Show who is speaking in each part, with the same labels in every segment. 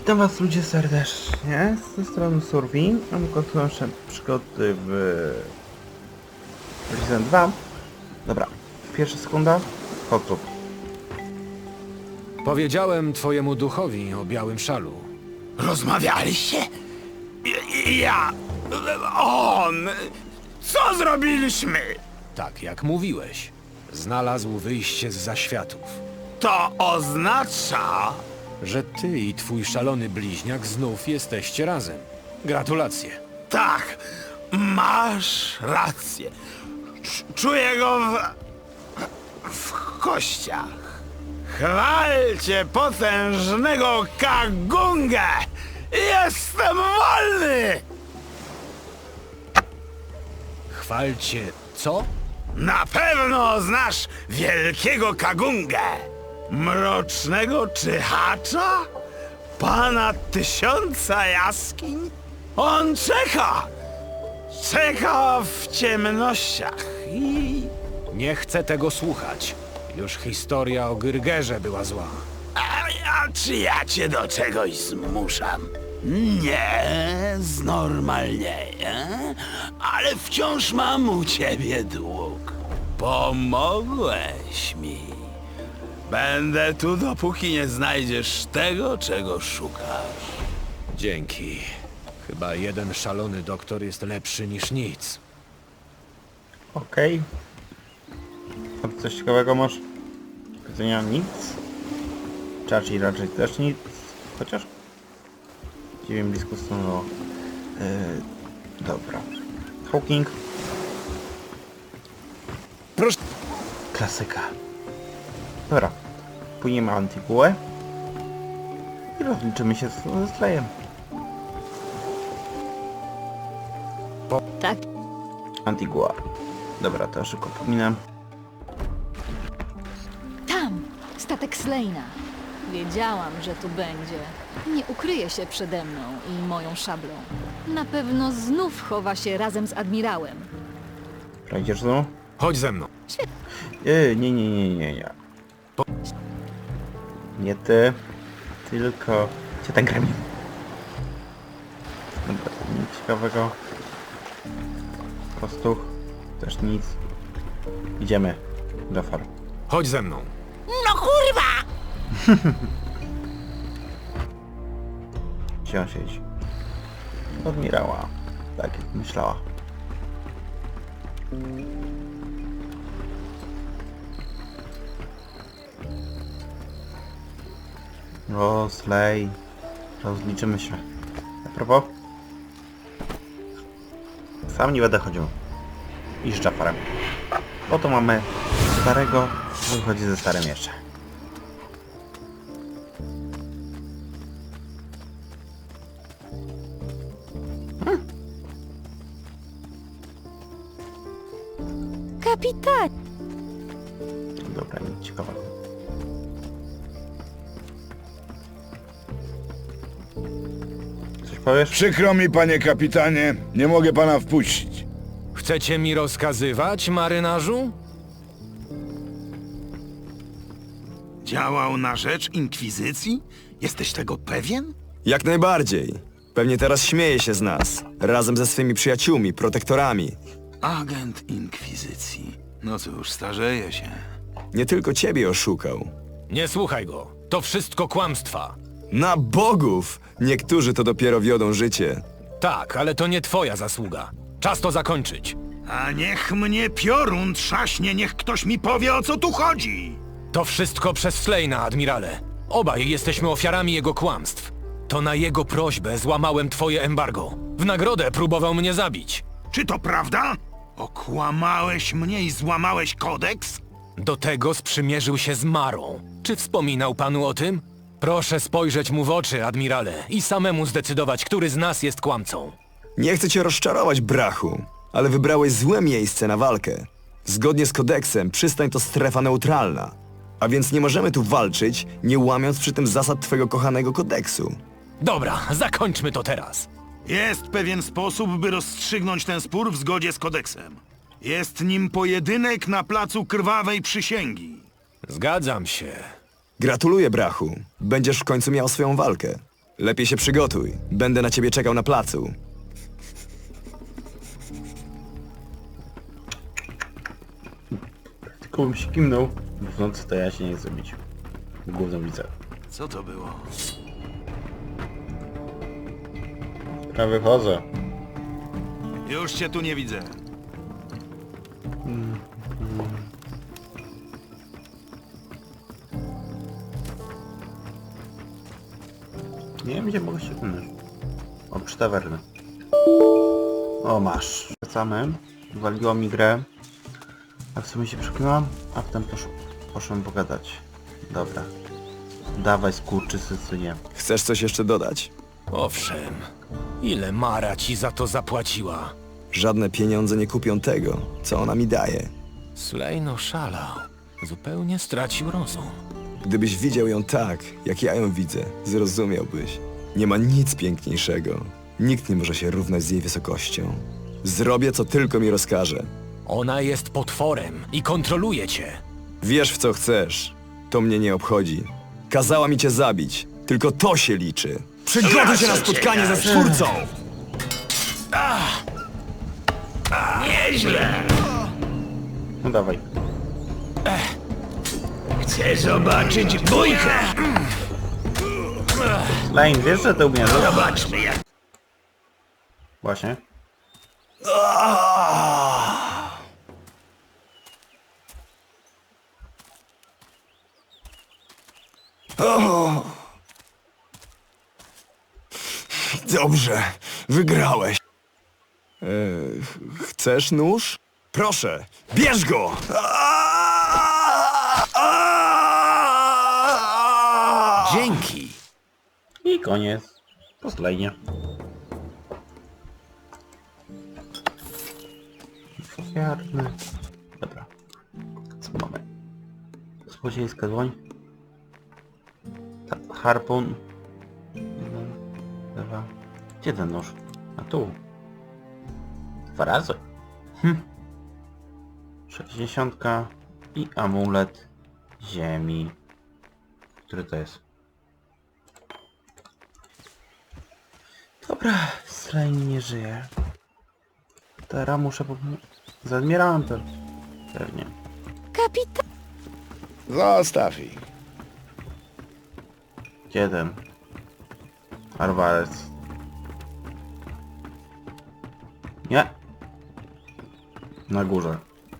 Speaker 1: Witam was ludzie serdecznie, z tej strony Survi, a my kontynuujemy nasze przygody w Resident 2. Dobra, pierwsza sekunda, chodź tu.
Speaker 2: Powiedziałem twojemu duchowi o białym szalu.
Speaker 3: Rozmawialiście? Ja... On... Co zrobiliśmy?
Speaker 2: Tak jak mówiłeś. Znalazł wyjście z zaświatów.
Speaker 3: To oznacza...
Speaker 2: Że ty i twój szalony bliźniak znów jesteście razem. Gratulacje.
Speaker 3: Tak, masz rację. Czuję go w kościach. Chwalcie potężnego Kagungę! Jestem wolny!
Speaker 2: Chwalcie co?
Speaker 3: Na pewno znasz wielkiego Kagungę! Mrocznego czyhacza? Pana tysiąca jaskiń? On czeka! Czeka w ciemnościach i...
Speaker 2: Nie chcę tego słuchać. Już historia o Gyrgerze była zła.
Speaker 3: A czy ja cię do czegoś zmuszam? Nie, znormalnieję, ale wciąż mam u ciebie dług. Pomogłeś mi. Będę tu, dopóki nie znajdziesz tego, czego szukasz.
Speaker 2: Dzięki. Chyba jeden szalony doktor jest lepszy niż nic.
Speaker 1: Okej. A coś ciekawego masz? Powiedzenia nic. Raczej też nic. Chociaż... Dziwię blisko stanęło. Dobra. Hawking.
Speaker 2: Proszę.
Speaker 1: Klasyka. Dobra. Płyniemy Antiguę. I rozliczymy się ze Slayem.
Speaker 4: Tak,
Speaker 1: Antigua. Dobra, to szybko pominę.
Speaker 4: tam! Statek Slejna. Wiedziałam, że tu będzie. Nie ukryje się przede mną i moją szablą. Na pewno znów chowa się razem z admirałem.
Speaker 1: Przejdziesz znowu?
Speaker 2: Chodź ze mną.
Speaker 1: Nie. Nie ty. Tylko... Gdzie ten gremlin? Dobra, to nic ciekawego. Kostuch. Też nic. Idziemy. Jafar.
Speaker 2: Chodź ze mną.
Speaker 3: No kurwa!
Speaker 1: Gdzie on siedzi? Admirała. Tak jak myślała. O, Slay. Rozliczymy się. A propos? Sam nie będę chodził. I z Jafarem. Oto mamy starego, wychodzi ze starym jeszcze.
Speaker 4: Kapitan!
Speaker 1: Dobra, nic ciekawego. Coś powiesz?
Speaker 5: Przykro mi, panie kapitanie, nie mogę pana wpuścić.
Speaker 2: Chcecie mi rozkazywać, marynarzu?
Speaker 3: Działał na rzecz Inkwizycji? Jesteś tego pewien?
Speaker 6: Jak najbardziej. Pewnie teraz śmieje się z nas. Razem ze swymi przyjaciółmi, protektorami.
Speaker 3: Agent Inkwizycji. No cóż, starzeje się.
Speaker 6: Nie tylko ciebie oszukał.
Speaker 2: Nie słuchaj go. To wszystko kłamstwa.
Speaker 6: Na bogów! Niektórzy to dopiero wiodą życie.
Speaker 2: Tak, ale to nie twoja zasługa. Czas to zakończyć.
Speaker 3: A niech mnie piorun trzaśnie, niech ktoś mi powie, o co tu chodzi!
Speaker 2: To wszystko przez Slejna, admirale. Obaj jesteśmy ofiarami jego kłamstw. To na jego prośbę złamałem twoje embargo. W nagrodę próbował mnie zabić.
Speaker 3: Czy to prawda? Okłamałeś mnie i złamałeś kodeks?
Speaker 2: Do tego sprzymierzył się z Marą. Czy wspominał panu o tym? Proszę spojrzeć mu w oczy, admirale, i samemu zdecydować, który z nas jest kłamcą.
Speaker 6: Nie chcę cię rozczarować, brachu, ale wybrałeś złe miejsce na walkę. Zgodnie z kodeksem przystań to strefa neutralna. A więc nie możemy tu walczyć, nie łamiąc przy tym zasad twojego kochanego kodeksu.
Speaker 2: Dobra, zakończmy to teraz.
Speaker 3: Jest pewien sposób, by rozstrzygnąć ten spór w zgodzie z kodeksem. Jest nim pojedynek na placu Krwawej Przysięgi.
Speaker 2: Zgadzam się.
Speaker 6: Gratuluję, brachu. Będziesz w końcu miał swoją walkę. Lepiej się przygotuj. Będę na ciebie czekał na placu.
Speaker 1: Tylko bym się kimnął. W nocy to ja się nie chcę bić. Gówno widzę.
Speaker 3: Co to było?
Speaker 1: Ja wychodzę.
Speaker 3: Już cię tu nie widzę.
Speaker 1: Nie wiem, gdzie mogę się kimnąć. O, przy tawerny. O, masz. Wracamy. Waliło mi grę. A w sumie się przeklinałam, a potem poszłem pogadać. Dobra. Dawaj, skurczysy, synie.
Speaker 6: Chcesz coś jeszcze dodać?
Speaker 2: Owszem. Ile Mara ci za to zapłaciła?
Speaker 6: Żadne pieniądze nie kupią tego, co ona mi daje.
Speaker 2: Slane oszalał. Zupełnie stracił rozum.
Speaker 6: Gdybyś widział ją tak, jak ja ją widzę, zrozumiałbyś. Nie ma nic piękniejszego. Nikt nie może się równać z jej wysokością. Zrobię, co tylko mi rozkaże.
Speaker 2: Ona jest potworem i kontroluje cię.
Speaker 6: Wiesz, w co chcesz. To mnie nie obchodzi. Kazała mi cię zabić. Tylko to się liczy. Przygotuj się na spotkanie ze Stwórcą!
Speaker 1: No dawaj.
Speaker 7: Chcę zobaczyć bójkę!
Speaker 1: Lane, wiesz, że to umiesz?
Speaker 7: Zobaczmy jak...
Speaker 1: Właśnie.
Speaker 6: Dobrze, wygrałeś. Chcesz nóż? Proszę, bierz go!
Speaker 2: Dzięki.
Speaker 1: I koniec. Po slajnie. Ofiarny. Dobra. Co mamy? Złodziejska dłoń. Harpun. 1, 2. Gdzie ten nóż? A tu. 2 razy. 60 i amulet ziemi. Który to jest? Dobra, Slane nie żyje. Teraz muszę z admirantem. Pewnie.
Speaker 4: Kapitan...
Speaker 5: Zostaw ich.
Speaker 1: Gdzie ten? Arwarec. Nie. Na górze.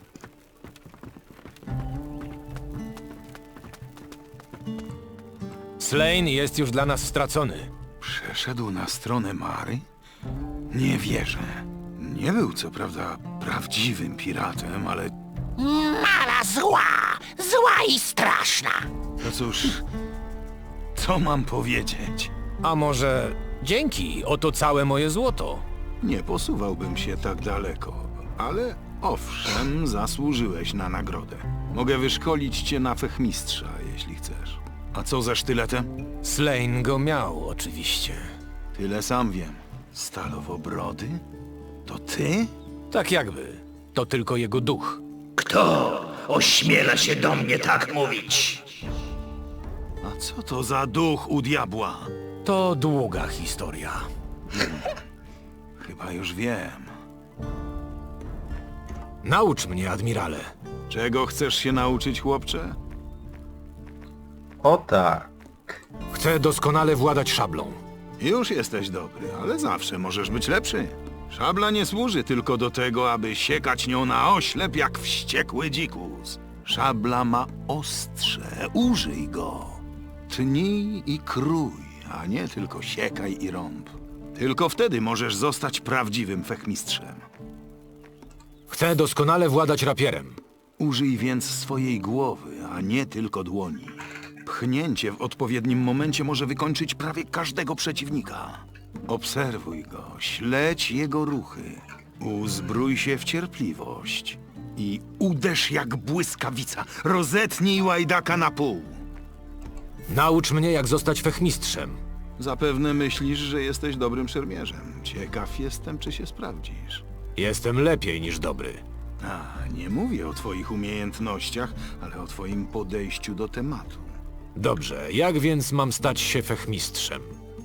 Speaker 2: Slane jest już dla nas stracony.
Speaker 3: Przeszedł na stronę Mary? Nie wierzę. Nie był co prawda prawdziwym piratem, ale
Speaker 7: Mara zła! Zła i straszna!
Speaker 3: to cóż... Co mam powiedzieć?
Speaker 2: A może dzięki, oto całe moje złoto.
Speaker 3: Nie posuwałbym się tak daleko, ale owszem, zasłużyłeś na nagrodę. Mogę wyszkolić cię na fechmistrza, jeśli chcesz. A co ze sztyletem?
Speaker 2: Slane go miał, oczywiście.
Speaker 3: Tyle sam wiem. Stalowobrody? To ty?
Speaker 2: Tak jakby. To tylko jego duch.
Speaker 7: Kto ośmiela się do mnie tak mówić?
Speaker 3: A co to za duch u diabła?
Speaker 2: To długa historia.
Speaker 3: Chyba już wiem.
Speaker 2: Naucz mnie, admirale.
Speaker 3: Czego chcesz się nauczyć, chłopcze?
Speaker 1: O tak.
Speaker 2: Chcę doskonale władać szablą.
Speaker 3: Już jesteś dobry, ale zawsze możesz być lepszy. Szabla nie służy tylko do tego, aby siekać nią na oślep jak wściekły dzikus. Szabla ma ostrze, użyj go. Tnij i krój, a nie tylko siekaj i rąb. Tylko wtedy możesz zostać prawdziwym fechmistrzem.
Speaker 2: Chcę doskonale władać rapierem.
Speaker 3: Użyj więc swojej głowy, a nie tylko dłoni. Pchnięcie w odpowiednim momencie może wykończyć prawie każdego przeciwnika. Obserwuj go, śledź jego ruchy. Uzbrój się w cierpliwość i uderz jak błyskawica. Rozetnij łajdaka na pół.
Speaker 2: Naucz mnie, jak zostać fechmistrzem.
Speaker 3: Zapewne myślisz, że jesteś dobrym szermierzem. Ciekaw jestem, czy się sprawdzisz.
Speaker 2: Jestem lepiej niż dobry.
Speaker 3: A, nie mówię o twoich umiejętnościach, ale o twoim podejściu do tematu.
Speaker 2: Dobrze, jak więc mam stać się fechmistrzem?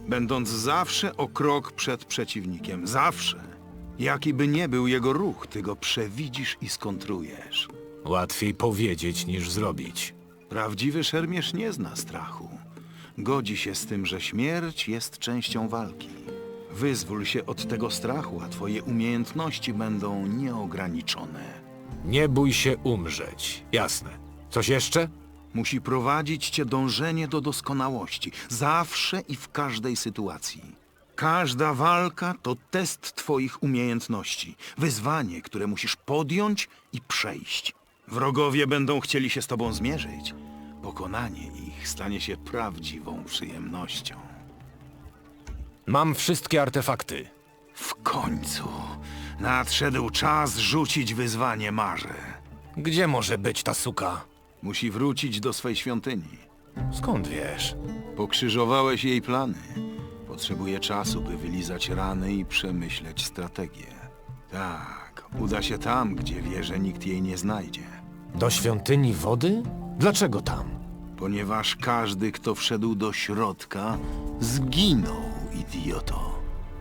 Speaker 3: będąc zawsze o krok przed przeciwnikiem. Zawsze. Jaki by nie był jego ruch, ty go przewidzisz i skontrujesz.
Speaker 2: Łatwiej powiedzieć niż zrobić.
Speaker 3: Prawdziwy szermierz nie zna strachu. Godzi się z tym, że śmierć jest częścią walki. Wyzwól się od tego strachu, a twoje umiejętności będą nieograniczone.
Speaker 2: Nie bój się umrzeć. Jasne. Coś jeszcze?
Speaker 3: Musi prowadzić cię dążenie do doskonałości, zawsze i w każdej sytuacji. Każda walka to test twoich umiejętności, wyzwanie, które musisz podjąć i przejść. Wrogowie będą chcieli się z tobą zmierzyć. Pokonanie ich stanie się prawdziwą przyjemnością.
Speaker 2: Mam wszystkie artefakty.
Speaker 3: W końcu nadszedł czas rzucić wyzwanie Marze.
Speaker 2: Gdzie może być ta suka?
Speaker 3: Musi wrócić do swej świątyni.
Speaker 2: Skąd wiesz?
Speaker 3: Pokrzyżowałeś jej plany. Potrzebuje czasu, by wylizać rany i przemyśleć strategię. Tak, uda się tam, gdzie wie, że nikt jej nie znajdzie.
Speaker 2: Do świątyni wody? Dlaczego tam?
Speaker 3: Ponieważ każdy, kto wszedł do środka, zginął, idioto.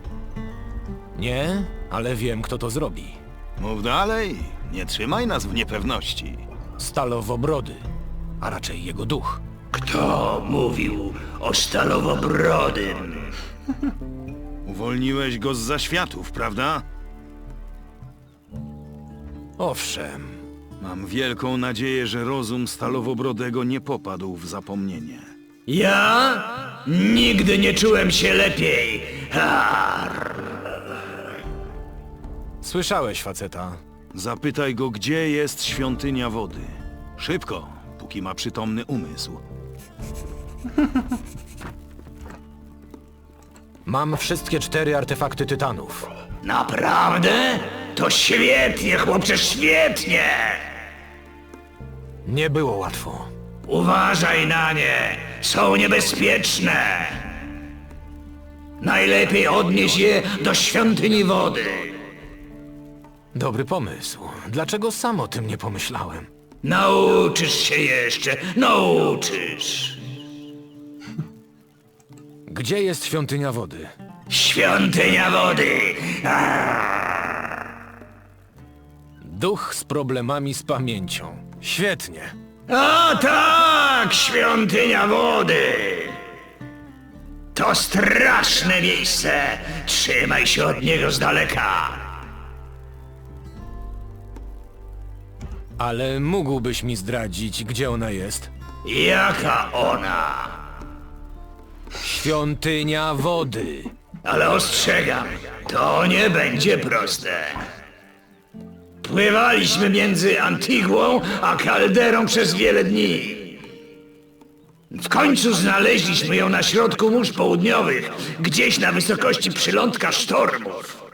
Speaker 2: Nie, ale wiem, kto to zrobi.
Speaker 3: Mów dalej, nie trzymaj nas w niepewności.
Speaker 2: Stalowobrody, a raczej jego duch.
Speaker 7: Kto mówił o Stalowobrodym?
Speaker 3: Uwolniłeś go z zaświatów, prawda?
Speaker 2: Owszem,
Speaker 3: Mam wielką nadzieję, że rozum Stalowobrodego nie popadł w zapomnienie.
Speaker 7: Ja? Nigdy nie czułem się lepiej.
Speaker 2: słyszałeś, faceta.
Speaker 3: Zapytaj go, gdzie jest świątynia wody. Szybko, póki ma przytomny umysł.
Speaker 2: Mam wszystkie 4 artefakty tytanów.
Speaker 7: Naprawdę? To świetnie, chłopcze, świetnie!
Speaker 2: Nie było łatwo.
Speaker 7: Uważaj na nie, są niebezpieczne. Najlepiej odnieś je do świątyni wody.
Speaker 2: Dobry pomysł. Dlaczego sam o tym nie pomyślałem?
Speaker 7: Nauczysz się jeszcze, nauczysz.
Speaker 2: Gdzie jest świątynia wody?
Speaker 7: Świątynia wody.
Speaker 2: Duch z problemami z pamięcią. Świetnie.
Speaker 7: A tak, świątynia wody. To straszne miejsce. Trzymaj się od niego z daleka.
Speaker 2: Ale mógłbyś mi zdradzić, gdzie ona jest?
Speaker 7: Jaka ona?
Speaker 2: Świątynia wody.
Speaker 7: Ale ostrzegam, to nie będzie proste. Pływaliśmy między Antigłą a Kalderą przez wiele dni. W końcu znaleźliśmy ją na środku mórz południowych, gdzieś na wysokości przylądka sztormów.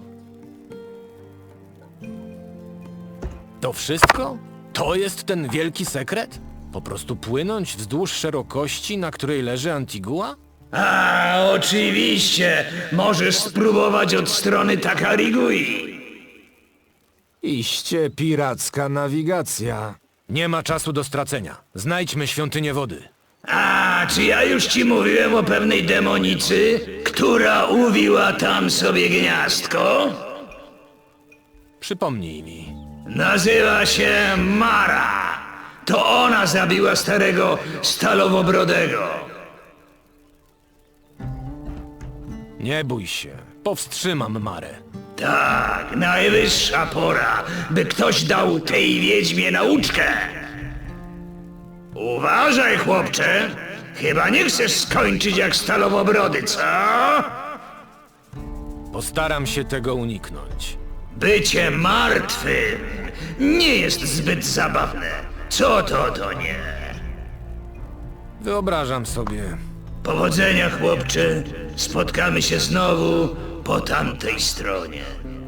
Speaker 2: To wszystko? To jest ten wielki sekret? Po prostu płynąć wzdłuż szerokości, na której leży Antigua?
Speaker 7: A, oczywiście, możesz spróbować od strony Takarigui.
Speaker 2: Iście piracka nawigacja. Nie ma czasu do stracenia. Znajdźmy świątynię wody.
Speaker 7: A, czy ja już ci mówiłem o pewnej demonicy, która uwiła tam sobie gniazdko?
Speaker 2: Przypomnij mi.
Speaker 7: Nazywa się Mara. To ona zabiła starego Stalowobrodego.
Speaker 2: Nie bój się. Powstrzymam Marę.
Speaker 7: Tak, najwyższa pora, by ktoś dał tej wiedźmie nauczkę. Uważaj, chłopcze. Chyba nie chcesz skończyć jak Stalowobrody, co?
Speaker 2: Postaram się tego uniknąć.
Speaker 7: Bycie martwym nie jest zbyt zabawne. Co to nie?
Speaker 2: Wyobrażam sobie.
Speaker 7: Powodzenia, chłopcze. Spotkamy się znowu po tamtej stronie.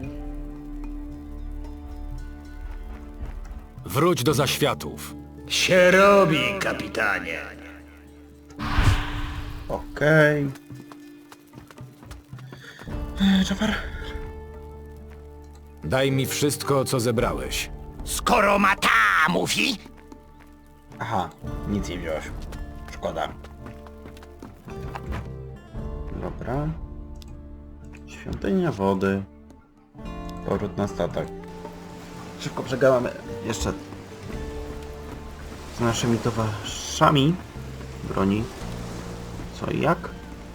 Speaker 2: Wróć do zaświatów.
Speaker 7: Się robi, kapitanie.
Speaker 1: Okej. Jafar?
Speaker 2: Daj mi wszystko, co zebrałeś.
Speaker 7: Skoro Mata mówi,
Speaker 1: Aha, nic nie wziąłeś. Szkoda. Dobra. Świątynia wody. Powrót na statek. Szybko przegadamy jeszcze z naszymi towarzyszami broni. Co i jak?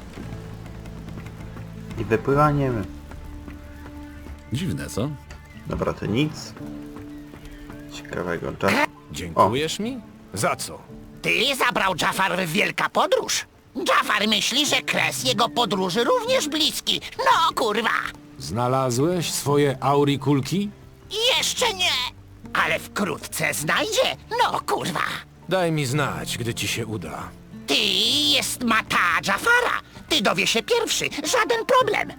Speaker 1: I wypływanie.
Speaker 8: Dziwne, co?
Speaker 1: Dobra, to nic. Ciekawego. Jafar.
Speaker 2: Dziękujesz mi? Za co?
Speaker 9: Ty zabrał Jafar w wielka podróż. Jafar myśli, że kres jego podróży również bliski. No kurwa!
Speaker 2: Znalazłeś swoje aurikulki?
Speaker 9: Jeszcze nie! Ale wkrótce znajdzie. No kurwa!
Speaker 2: Daj mi znać, gdy ci się uda.
Speaker 9: Ty jest mata Jafara. Ty dowie się pierwszy. Żaden problem.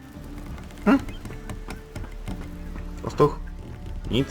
Speaker 1: Pastuch? Nic.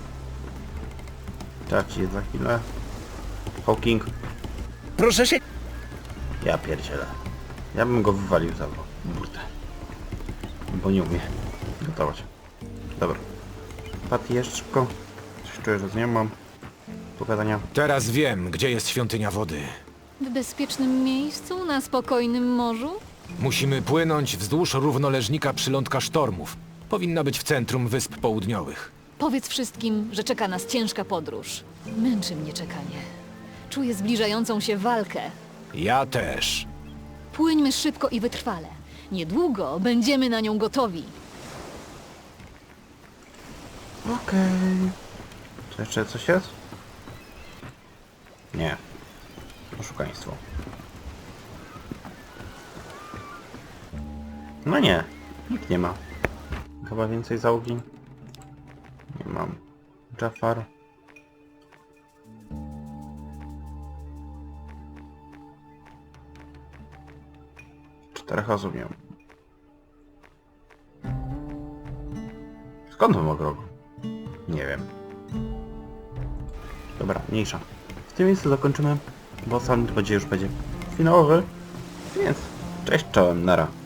Speaker 1: Traci za chwilę. Hawking.
Speaker 7: Proszę się...
Speaker 1: Ja pierdzielę. Ja bym go wywalił za burtę. Bo nie umie gotować. Dobra. Patty, jeszcze szybko. Coś czuję, że z nią mam pogadania.
Speaker 2: Teraz wiem, gdzie jest świątynia wody.
Speaker 4: W bezpiecznym miejscu, na spokojnym morzu?
Speaker 2: Musimy płynąć wzdłuż równoleżnika przylądka sztormów. Powinna być w centrum Wysp Południowych.
Speaker 4: Powiedz wszystkim, że czeka nas ciężka podróż. Męczy mnie czekanie. Czuję zbliżającą się walkę.
Speaker 2: Ja też.
Speaker 4: Płyńmy szybko i wytrwale. Niedługo będziemy na nią gotowi.
Speaker 1: Okej. Czy jeszcze coś jest? Nie. Oszukaństwo. No nie. Nikt nie ma. Chyba więcej załogi? Nie mam. Jafar. Czterech osób miał. Skąd on ma rogu? Nie wiem. Dobra, mniejsza. W tym miejscu zakończymy, bo sam będzie już finałowy. Więc cześć, czołem, nara.